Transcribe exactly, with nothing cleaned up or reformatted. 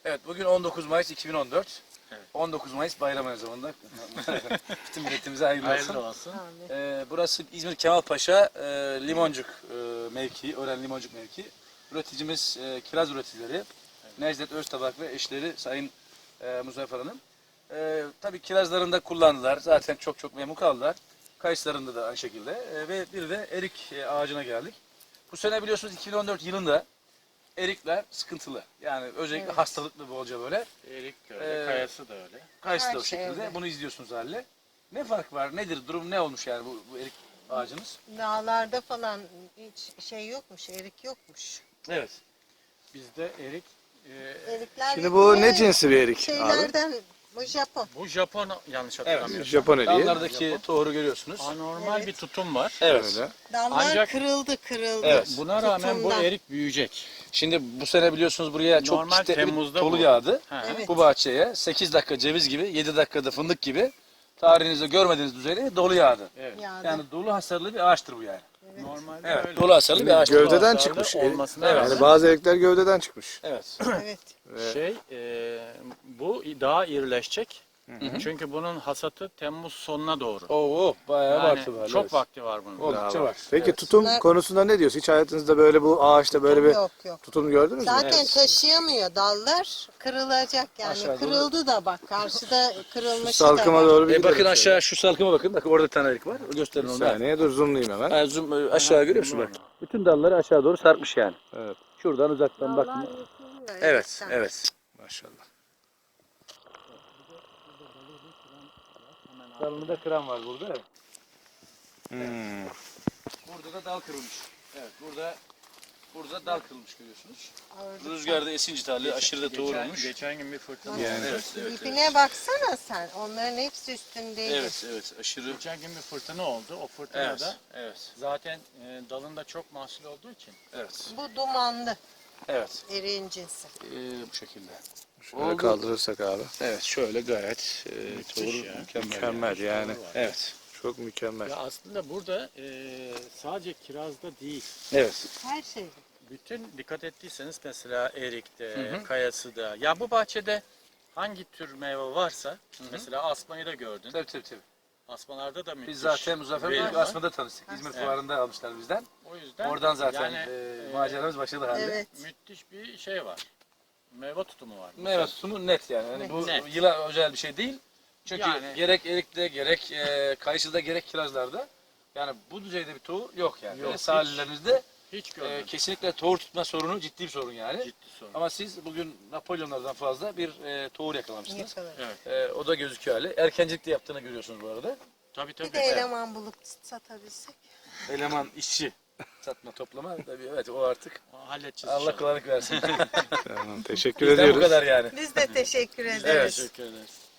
Evet, bugün on dokuz Mayıs iki bin on dört. Evet. on dokuz Mayıs bayram aynı zamanda. Bütün milletimize hayırlı olsun. Hayırlı olsun. Ee, burası İzmir Kemalpaşa e, Limoncuk e, mevkii, Ören Limoncuk mevkii. Üreticimiz e, kiraz üreticileri. Evet. Necdet Öztabak ve eşleri Sayın e, Muzaffer Hanım. E, tabii kirazlarında kullandılar. Zaten çok çok memnun kaldılar. Kayısılarında da aynı şekilde. E, ve bir de erik e, ağacına geldik. Bu sene biliyorsunuz iki bin on dört yılında erikler sıkıntılı. Yani özellikle Evet. hastalıklı bolca böyle. Erik de öyle, Ee, kayası da öyle. Kayısı da Her o şey şekilde. öyle. Bunu izliyorsunuz haliyle. Ne fark var? Nedir? Durum ne olmuş yani bu, bu erik ağacınız? Dağlarda falan hiç şey yokmuş, erik yokmuş. Evet. Bizde erik, e, Erikler Şimdi bu bir ne de cinsi bir erik abi? Şeylerden, bu Japon. bu Japon yanlış hatırlamıyorsam. Japon eriği. Dallardaki tohuru görüyorsunuz. Anormal Evet. bir tutum var. Evet. Öyle. Dallar Ancak- kırıldı, kırıldı. Evet. Buna rağmen bu Tutumdan. erik büyüyecek. Şimdi bu sene biliyorsunuz buraya çok Normal şiddetli bir Temmuz'da dolu bu. yağdı. Ha. Evet. Bu bahçeye sekiz dakika ceviz gibi, yedi dakikada fındık gibi tarihinizde görmediğiniz düzeyde dolu yağdı. Evet. Yağdı. Yani dolu hasarlı bir ağaçtır bu yani. Evet. Normalde Evet. öyle. Dolu hasarlı bir ağaç. Gövdeden Hasarlı çıkmış. olmasına Evet. rağmen Yani bazı erikler gövdeden çıkmış. Evet. Evet. şey, e, bu daha irileşecek. hı. Çünkü bunun hasatı Temmuz sonuna doğru. Oo, bayağı Yani vakti var. çok evet. vakti var bunun. Oldukça var. Peki Evet. tutum Bunlar- konusunda ne diyorsun? Hiç hayatınızda böyle bu ağaçta böyle bir Yok yok. tutum gördünüz mü? Zaten Evet. taşıyamıyor dallar. Kırılacak yani. Aşağı doğru. Kırıldı da bak. Karşıda kırılmış da Salkıma var. doğru bir E, gidelim bakın şöyle. aşağı şu salkıma bakın. Bakın orada bir tane erik var. Gösterin Bir onu. da. saniye dur zoomlayayım hemen. Ha, zoom, e, aşağı görüyor musun bak? Bütün dalları aşağı doğru sarkmış yani. Evet. Şuradan uzaktan Dallar bakın. yıkılıyor Evet, erikten. evet. Maşallah. Dalını da kıran var burada. Evet. Hmm. Burada da dal kırılmış. Evet, burada burada dal kırılmış görüyorsunuz. Ağırlıktan. Rüzgarda esinci tali aşırı da tohum Geçen, olmuş. geçen gün bir fırtına Yani. oldu. Evet, evet, evet. İpine baksana sen. Onların hepsi üstündeydi. Evet, evet, aşırı. Geçen gün bir fırtına oldu. O fırtınada Evet, evet, zaten e, dalında çok mahsul olduğu için evet, Bu dumanlı evet. eriğin cinsi. Ee, bu şekilde. Şöyle Oldu. kaldırırsak abi. Evet, şöyle gayet e, Müthiş doğru, ya. mükemmel. Mükemmel yani. Evet, Çok mükemmel. ya aslında burada e, sadece kirazda değil, evet. Her şey. bütün dikkat ettiyseniz mesela erikte, Hı hı. kayasıda, ya bu bahçede hangi tür meyve varsa, mesela asmayı da gördün. Tabii tabii tabii. Asmalarda da müthiş. Biz zaten Muzaffer verim Bey'le var. Asma'da tanıştık. İzmir Evet. Fuarı'nda almışlar bizden. O yüzden Oradan zaten yani, e, e, maceramız başladı halde. Evet. müthiş bir şey var. Meyve tutumu var. Meyve tutumu net yani. yani bu Net. yıla özel bir şey değil. Çünkü Yani- gerek erikte gerek e, kayısıda gerek kirazlarda yani bu düzeyde bir tohum yok yani. Yok, Ve hiç. sahillerinizde Hiç e, görmedim. kesinlikle tohum tutma sorunu ciddi bir sorun yani. Ciddi sorun. Ama siz bugün Napolyonlardan fazla bir e, tohum yakalamışsınız. Yakalar. Evet. E, o da gözüküyor hali. Erkencilikte yaptığını görüyorsunuz bu arada. Tabii tabii. Bir de eleman bulup satabilsek. Eleman, işçi, satma, toplama. Tabii evet o artık Halledeceğiz Allah inşallah. kolaylık versin. Tamam, teşekkür Bizden bu ediyoruz. kadar yani. Biz de teşekkür ederiz. Evet. Teşekkür ederiz.